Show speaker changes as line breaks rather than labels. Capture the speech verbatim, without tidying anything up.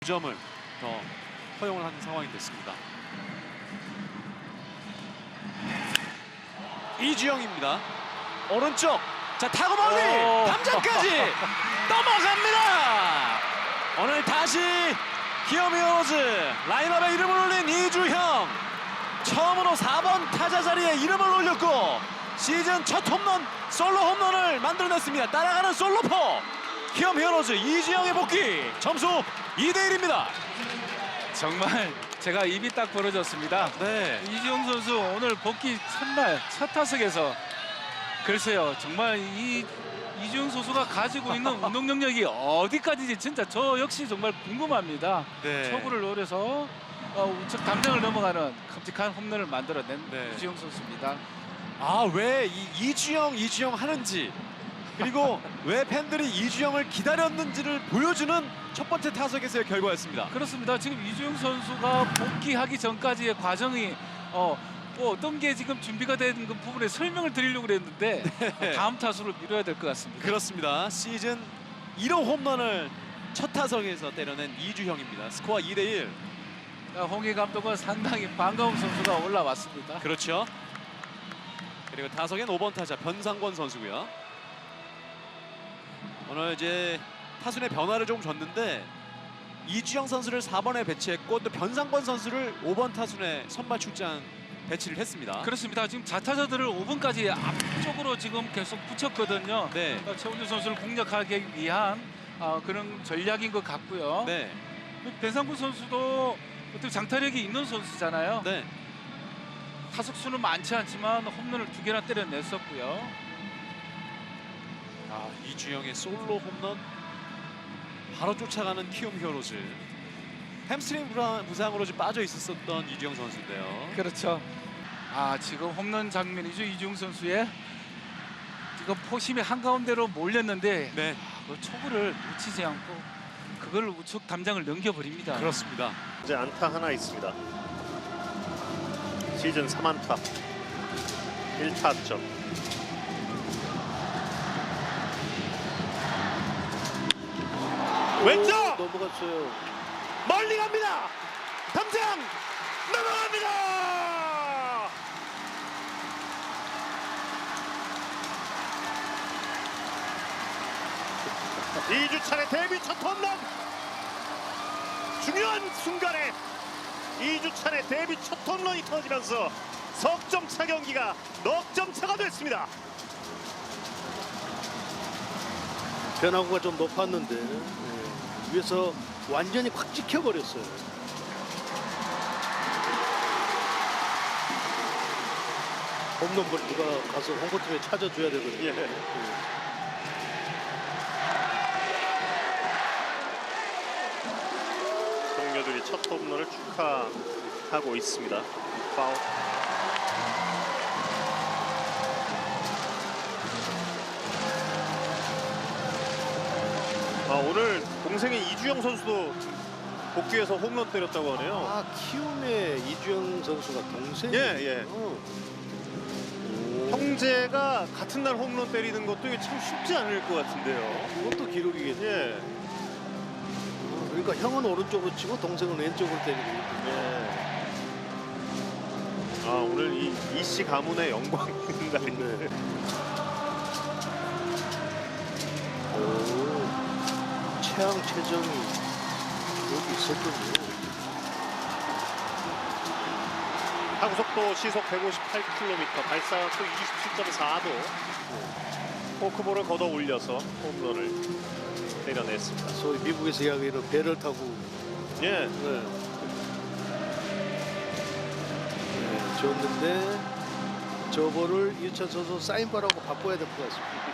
점을 더 허용을 하는 상황이 됐습니다. 이주영입니다. 오른쪽. 자, 타고 멀리 담장까지 넘어갑니다. 오늘 다시 키움 히어로즈 라인업에 이름을 올린 이주형. 처음으로 사 번 타자 자리에 이름을 올렸고 시즌 첫 홈런, 솔로 홈런을 만들어냈습니다. 따라가는 솔로포. 키움 히어로즈 이주영의 복귀. 점수 이 대 일입니다.
정말 제가 입이 딱 벌어졌습니다.
네.
이주영 선수 오늘 복귀 첫날 첫 타석에서 글쎄요, 정말 이 이주영 선수가 가지고 있는 운동 능력이 어디까지인지 진짜 저 역시 정말 궁금합니다.
네.
초구를 노려서 어, 우측 담장을 넘어가는 큼직한 홈런을 만들어낸
네.
이주영 선수입니다.
아, 왜 이 이주영 이주영 하는지, 그리고 왜 팬들이 이주영을 기다렸는지를 보여주는 첫 번째 타석에서의 결과였습니다.
그렇습니다. 지금 이주영 선수가 복귀하기 전까지의 과정이 어, 뭐 어떤 게 지금 준비가 된 그 부분에 설명을 드리려고 그랬는데
네.
다음 타수를 미뤄야 될 것 같습니다.
그렇습니다. 시즌 일 호 홈런을 첫 타석에서 때려낸 이주형입니다. 스코어 이 대 일.
홍희 감독은 상당히 반가운 선수가 올라왔습니다.
그렇죠. 그리고 타석엔 오 번 타자 변상권 선수고요. 오늘 이제 타순의 변화를 좀 줬는데 이주영 선수를 사 번에 배치했고 또 변상권 선수를 오 번 타순에 선발 출장 배치를 했습니다.
그렇습니다. 지금 자타자들을 오 번까지 앞쪽으로 지금 계속 붙였거든요.
네.
어, 최원준 선수를 공략하기 위한 어, 그런 전략인 것 같고요.
네.
변상구 선수도 어떻게 장타력이 있는 선수잖아요.
네.
타석 수는 많지 않지만 홈런을 두 개나 때려냈었고요.
아, 이주영의 솔로 홈런 바로 쫓아가는 키움 히어로즈. 햄스트링 부상- 부상으로 좀 빠져 있었던 이주영 선수인데요.
그렇죠. 아, 지금 홈런 장면이죠. 이주영 선수의 지금 포심이 한가운데로 몰렸는데
네,
그 초구를 놓치지 않고 그걸 우측 담장을 넘겨버립니다.
그렇습니다.
이제 안타 하나 있습니다. 시즌 삼 안타 일 타점. 왼쪽
넘어갔어요.
멀리 갑니다. 담장 넘어갑니다. 이주찬의 데뷔 첫 홈런. 중요한 순간에 이주찬의 데뷔 첫 홈런이 터지면서 석점 차 경기가 넉 점 차가 됐습니다.
변화구가 좀 높았는데 예, 위에서 완전히 확 찍혀버렸어요. 홈런 볼 누가 가서 홈코트에 찾아줘야 되거든요.
예. 동료들이 첫 홈런을 축하하고 있습니다. 파울. 아, 오늘 동생인 이주영 선수도 복귀해서 홈런 때렸다고 하네요.
아, 키움의 이주영 선수가 동생이.
예, 예. 형제가 같은 날 홈런 때리는 것도 이게 참 쉽지 않을 것 같은데요.
그것도 기록이겠네.
예.
그러니까 형은 오른쪽으로 치고 동생은 왼쪽으로 때리고.
네. 아, 오늘 이 이씨 가문의 영광인 날인데.
오, 최양 최정이 여기 있었군요.
타구 속도 시속 백오십팔 킬로미터, 발사각도 이십칠 점 사 도. 포크볼을 걷어 올려서 홈런을 때려냈습니다.
소위 미국에서 이야기하는 배를 타고.
예.
네. 네, 줬는데 저거를 이우찬 선수 사인바라고 바꿔야 될 것 같습니다.